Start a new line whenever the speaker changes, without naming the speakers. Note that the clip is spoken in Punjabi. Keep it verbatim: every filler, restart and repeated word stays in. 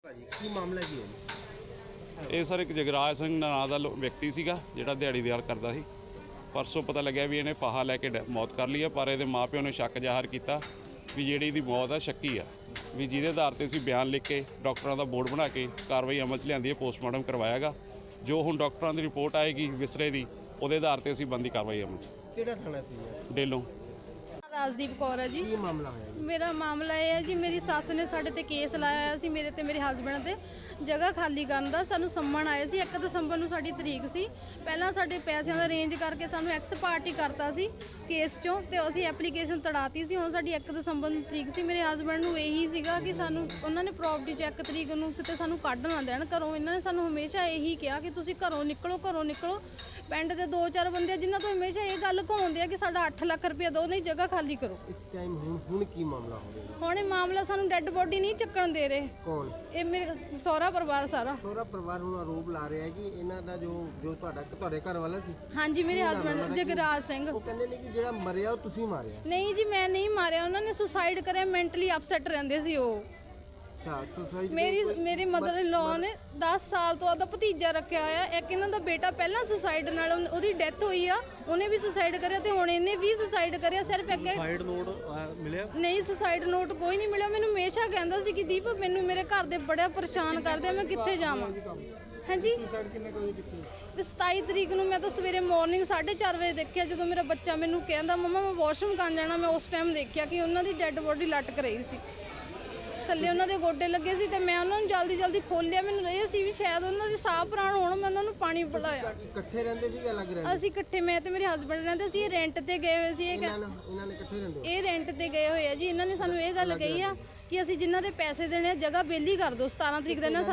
ਭਾਜੀ ਕੀ ਮਾਮਲਾ ਕੀ ਹੈ?
ਇਹ ਸਰ ਇੱਕ ਜਗਰਾਜ ਸਿੰਘ ਨਾਂ ਦਾ ਲੋ- ਵਿਅਕਤੀ ਸੀਗਾ ਜਿਹੜਾ ਦਿਹਾੜੀ ਦਿਹਾੜ ਕਰਦਾ ਸੀ। ਪਰਸੋਂ ਪਤਾ ਲੱਗਿਆ ਵੀ ਇਹਨੇ ਫਾਹਾ ਲੈ ਕੇ ਡੈ- ਮੌਤ ਕਰ ਲਈ ਆ, ਪਰ ਇਹਦੇ ਮਾਪਿਓ ਨੇ ਸ਼ੱਕ ਜ਼ਾਹਰ ਕੀਤਾ ਵੀ ਜਿਹੜੀ ਇਹਦੀ ਮੌਤ ਆ ਸ਼ੱਕੀ ਆ, ਵੀ ਜਿਹਦੇ ਆਧਾਰ ਤੇ ਅਸੀਂ ਬਿਆਨ ਲਿਖ ਕੇ ਡਾਕਟਰਾਂ ਦਾ ਬੋਰਡ ਬਣਾ ਕੇ ਕਾਰਵਾਈ ਅਮਲ 'ਚ ਲਿਆਂਦੀ ਹੈ। ਪੋਸਟਮਾਰਟਮ ਕਰਵਾਇਆਗਾ। ਜੋ ਹੁਣ ਡਾਕਟਰਾਂ ਦੀ ਰਿਪੋਰਟ ਆਏਗੀ ਵਿਸਰੇ ਦੀ, ਉਹਦੇ ਆਧਾਰ ਤੇ ਅਸੀਂ ਬੰਦੀ ਕਾਰਵਾਈ ਅਮਲ 'ਚ
ਕਿਹੜਾ ਥਾਣਾ ਸੀ?
ਡੇਲੋਂ।
ਰਾਜਦੀਪ ਕੌਰ ਹੈ ਜੀ।
ਕੀ ਮਾਮਲਾ ਹੋਇਆ ਜੀ?
ਮੇਰਾ ਮਾਮਲਾ ਇਹ ਹੈ ਜੀ, ਮੇਰੀ ਸੱਸ ਨੇ ਸਾਡੇ ਤੇ ਕੇਸ ਲਾਇਆ ਹੋਇਆ ਸੀ, ਮੇਰੇ ਤੇ ਮੇਰੇ ਹਸਬੈਂਡ ਤੇ ਜਗ੍ਹਾ ਖਾਲੀ ਕਰਨ ਦਾ। ਸਾਨੂੰ ਸੰਮਣ ਆਏ ਸੀ, ਇੱਕ ਦਸੰਬਰ ਨੂੰ ਸਾਡੀ ਤਰੀਕ ਸੀ। ਪਹਿਲਾਂ ਸਾਡੇ ਪੈਸਿਆਂ ਦਾ ਰੇਂਜ ਕਰਕੇ ਸਾਨੂੰ ਐਕਸ ਪਾਰਟੀ ਕਰਤਾ ਸੀ ਕੇਸ ਚੋਂ, ਤੇ ਅਸੀਂ ਐਪਲੀਕੇਸ਼ਨ ਤੜਾਤੀ ਸੀ। ਹੁਣ ਸਾਡੀ ਇੱਕ ਦਸੰਬਰ ਨੂੰ ਤਰੀਕ ਸੀ। ਮੇਰੇ ਹਸਬੈਂਡ ਨੂੰ ਇਹੀ ਸੀਗਾ ਕਿ ਸਾਨੂੰ ਉਹਨਾਂ ਨੇ ਪ੍ਰੋਪਰਟੀ ਚ ਇੱਕ ਤਰੀਕ ਨੂੰ ਕਿਤੇ ਸਾਨੂੰ ਕੱਢ ਨਾ ਦੇਣ ਘਰੋਂ। ਇਹਨਾਂ ਨੇ ਸਾਨੂੰ ਹਮੇਸ਼ਾ ਇਹੀ ਕਿਹਾ ਕਿ ਤੁਸੀਂ ਘਰੋਂ ਨਿਕਲੋ, ਘਰੋਂ ਨਿਕਲੋ। ਪਿੰਡ ਦੇ ਦੋ ਚਾਰ ਬੰਦੇ ਜਿਨ੍ਹਾਂ ਤੋਂ ਹਮੇਸ਼ਾ ਇਹ ਗੱਲ ਘੁੰਮਦੇ ਆ ਕਿ ਸਾਡਾ ਅੱਠ ਲੱਖ ਰੁਪਏ ਦਿਓ, ਨਹੀਂ ਜਗ੍ਹਾ ਖਾਲੀ ਕਰੋ।
ਇਸ ਟਾਈਮ ਹੁਣ ਹੁਣ ਕੀ ਮਾਮਲਾ ਹੋ ਰਿਹਾ?
ਹੁਣ ਇਹ ਮਾਮਲਾ ਸਾਨੂੰ ਡੈੱਡ ਬੋਡੀ ਨਹੀਂ ਚੱਕਣ ਦੇ ਰਹੇ।
ਕੌਣ?
ਇਹ ਮੇਰੇ ਸਹੁਰਾ ਪਰਿਵਾਰ ਸਾਰਾ।
ਸਹੁਰਾ ਪਰਿਵਾਰ ਹੁਣ ਆਰੋਪ ਲਾ ਰਿਹਾ ਹੈ ਕਿ ਇਹਨਾਂ ਦਾ ਜੋ ਜੋ ਤੁਹਾਡਾ ਤੁਹਾਡੇ ਘਰ ਵਾਲਾ ਸੀ,
ਹਾਂਜੀ, ਮੇਰੇ ਹਸਬੈਂਡ ਜਗਰਾਜ ਸਿੰਘ।
ਉਹ ਕਹਿੰਦੇ ਨੇ ਕਿ ਜਿਹੜਾ ਮਰਿਆ ਉਹ ਤੁਸੀਂ ਮਾਰਿਆ।
ਨਹੀਂ ਜੀ, ਮੈਂ ਨਹੀਂ ਮਾਰਿਆ, ਉਹਨਾਂ ਨੇ ਸੁਸਾਈਡ ਕਰਿਆ। ਮੈਂਟਲੀ ਅਪਸੈਟ ਰਹਿੰਦੇ ਸੀ ਉਹ।
ਅੱਛਾ, ਸੁਸਾਈਡ
ਮੇਰੀ ਮੇਰੇ ਮਦਰ ਇਨ ਲਾਅ ਨੇ ਦਸ ਸਾਲ ਤੋਂ ਆਪਦਾ ਭਤੀਜਾ ਰੱਖਿਆ ਹੋਇਆ। ਇੱਕ ਇਹਨਾਂ ਦਾ ਬੇਟਾ ਪਹਿਲਾਂ ਸੁਸਾਈਡ ਨਾਲ ਉਹਨ- ਉਹਦੀ ਡੈਥ ਹੋਈ ਆ, ਉਹਨੇ ਵੀ ਸੁਸਾਈਡ ਕਰਿਆ, ਤੇ ਹੁਣ ਇਹਨੇ ਵੀ ਸੁਸਾਈਡ ਕਰਿਆ। ਸਿਰਫ ਅੱਗੇ
ਸੁਸਾਈਡ ਨੋਟ ਮਿਲਿਆ? ਨਹੀਂ,
ਸੁਸਾਈਡ ਨੋਟ ਕੋਈ ਨਹੀਂ ਮਿਲਿਆ। ਮੈਨੂੰ ਹਮੇਸ਼ਾ ਕਹਿੰਦਾ ਸੀ ਕਿ ਦੀਪ ਮੈਨੂੰ ਮੇਰੇ ਘਰ ਦੇ ਬੜਾ ਪਰੇਸ਼ਾਨ ਕਰਦੇ ਆ, ਮੈਂ ਕਿੱਥੇ ਜਾਵਾਂ। ਹਾਂਜੀ,
ਸੁਸਾਈਡ ਕਿੰਨੇ ਕੋਈ ਕੀਤੀ?
ਵੀ ਸਤਾਈ ਤਰੀਕ ਨੂੰ ਮੈਂ ਤਾਂ ਸਵੇਰੇ ਮਾਰਨਿੰਗ ਸਾਢੇ ਚਾਰ ਵਜੇ ਦੇਖਿਆ, ਜਦੋਂ ਮੇਰਾ ਬੱਚਾ ਮੈਨੂੰ ਕਹਿੰਦਾ ਮੰਮਾ ਮੈਂ ਵਾਸ਼ਰੂਮ ਕਰਨ ਜਾਣਾ। ਮੈਂ ਉਸ ਟਾਈਮ ਦੇਖਿਆ ਕਿ ਉਹਨਾਂ ਦੀ ਡੈੱਡ ਬੋਡੀ ਲਟਕ ਰਹੀ ਸੀ, ਥੱਲੇ ਉਹਨਾਂ ਦੇ ਗੋਡੇ ਲੱਗੇ ਸੀ, ਤੇ ਮੈਂ ਉਹਨਾਂ ਨੂੰ ਜਲਦੀ ਜਲਦੀ ਖੋਲ੍ਹਿਆ। ਮੈਨੂੰ ਇਹ ਸੀ ਵੀ ਸ਼ਾਇਦ ਉਹਨਾਂ ਦੀ ਸਾਹ ਪ੍ਰਾਣ ਹੋਣ। ਮੈਂ ਉਹਨਾਂ ਨੂੰ ਪਾਣੀ ਪਿਲਾਇਆ।
ਇਕੱਠੇ ਰਹਿੰਦੇ ਸੀ ਕਿ ਅਲੱਗ ਰਹਿੰਦੇ?
ਅਸੀਂ ਇਕੱਠੇ, ਮੈਂ ਤੇ ਮੇਰੇ ਹਸਬੰਡ ਰਹਿੰਦੇ ਸੀ। ਇਹ ਰੈਂਟ ਤੇ ਗਏ ਹੋਏ ਸੀ। ਇਹ
ਇਹਨਾਂ ਨੇ ਇਹਨਾਂ ਨੇ ਇਕੱਠੇ ਰਹਿੰਦੇ ਹੋ?
ਇਹ ਰੈਂਟ ਤੇ ਗਏ ਹੋਏ ਆ ਜੀ। ਇਹਨਾਂ ਨੇ ਸਾਨੂੰ ਇਹ ਗੱਲ ਕਹੀ ਆ ਕਿ ਅਸੀਂ ਜਿਨ੍ਹਾਂ ਦੇ ਪੈਸੇ ਦੇਣੇ ਆ ਜਗ੍ਹਾ ਬੇਲੀ ਕਰ ਦਿਓ। ਸਤਾਰਾਂ ਤਰੀਕ ਦਾ ਇਹਨਾਂ